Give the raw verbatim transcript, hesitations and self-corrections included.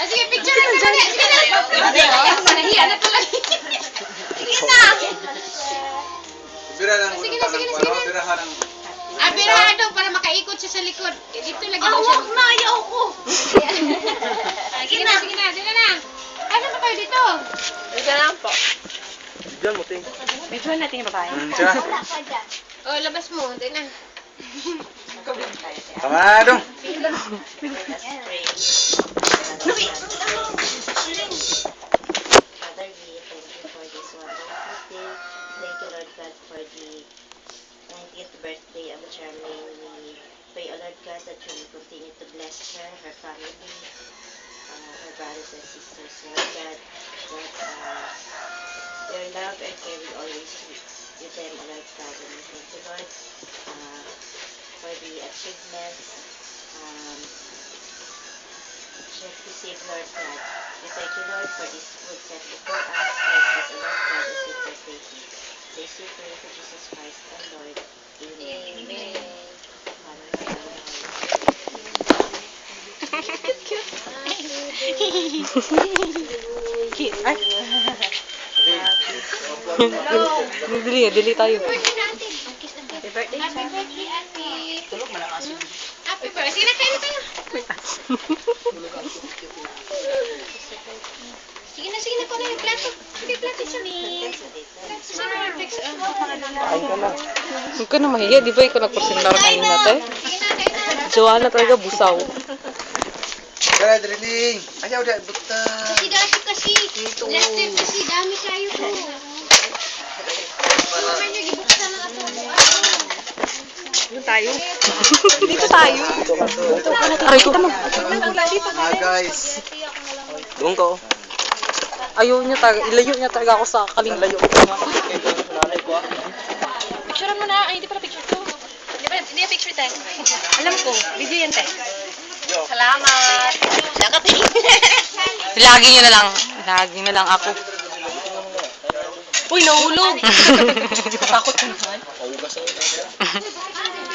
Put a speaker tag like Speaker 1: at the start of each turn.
Speaker 1: sige, picture na ka na. Sige na. Nahiya na tuloy. Sige na.
Speaker 2: Bira lang
Speaker 1: Sige
Speaker 2: ulo
Speaker 1: na,
Speaker 2: pa
Speaker 1: sige
Speaker 2: ng
Speaker 1: na,
Speaker 2: pano,
Speaker 1: sige na.
Speaker 2: birahan ng...
Speaker 1: Ah, birahan daw para makaikot siya sa likod. Eh, dito lagi daw siya.
Speaker 3: Awak na, ayaw ko.
Speaker 1: Sige na, sige na. Sige na. Ano pa tayo dito?
Speaker 3: Ika lang po.
Speaker 2: Diyan mo, ting.
Speaker 3: Medyo natin yung babae.
Speaker 2: Hmm, siya.
Speaker 1: Oh, labas mo. Dito na.
Speaker 2: Tama na dong.
Speaker 4: Father, we thank you for this wonderful day. Thank you, Lord God, for the ninetieth birthday of Charmaine. We pray, O Lord God, that you will continue to bless her, her family, uh, her brothers and sisters, Lord God, that uh, your love and care will always be with them, O Lord God. And we thank you, Lord, uh, for the achievements um, she has received, Lord God. We thank you, Lord, for this food set before us. Bless us, O Lord God, as we partake it. This we pray for Jesus Christ, our Lord. Amen.
Speaker 1: Amen.
Speaker 4: Father, Son, and Holy
Speaker 3: Cute. Ay. Dili, dili tayo.
Speaker 1: Birthday natin.
Speaker 3: Happy birthday.
Speaker 1: Happy birthday, Ate. Happy birthday. Sige na, kain na tayo. Sige na, sige na. Kung ano yung plato. Sige, plato siya. Saan mo yung text?
Speaker 2: Kain ka na.
Speaker 3: Huwag ka na mahiya, di ba ikaw nagporsentar kanina tayo?
Speaker 1: Sige na, kain na.
Speaker 3: Jowa na talaga busaw.
Speaker 2: Kaya, drilling. Ayaw, dahil buta.
Speaker 1: Kasi dati kasi. Last year kasi dami kayo po. Naman nyo, gibuksan na ato.
Speaker 3: Dito tayo. Dito tayo. Aray ko.
Speaker 2: Ah, guys.
Speaker 3: Doon ka. Ayaw niya talaga, ilayo niya talaga ako sa kalimut. Ilayo ko nga. Picture mo na. Ay, hindi pala picture to. Hindi pa, hindi picture tayo. Alam ko, video yan tayo. Salamat. Nakating. Lagi niyo na lang. Lagi na lang ako. Uy, nahulog. Takot ka naman.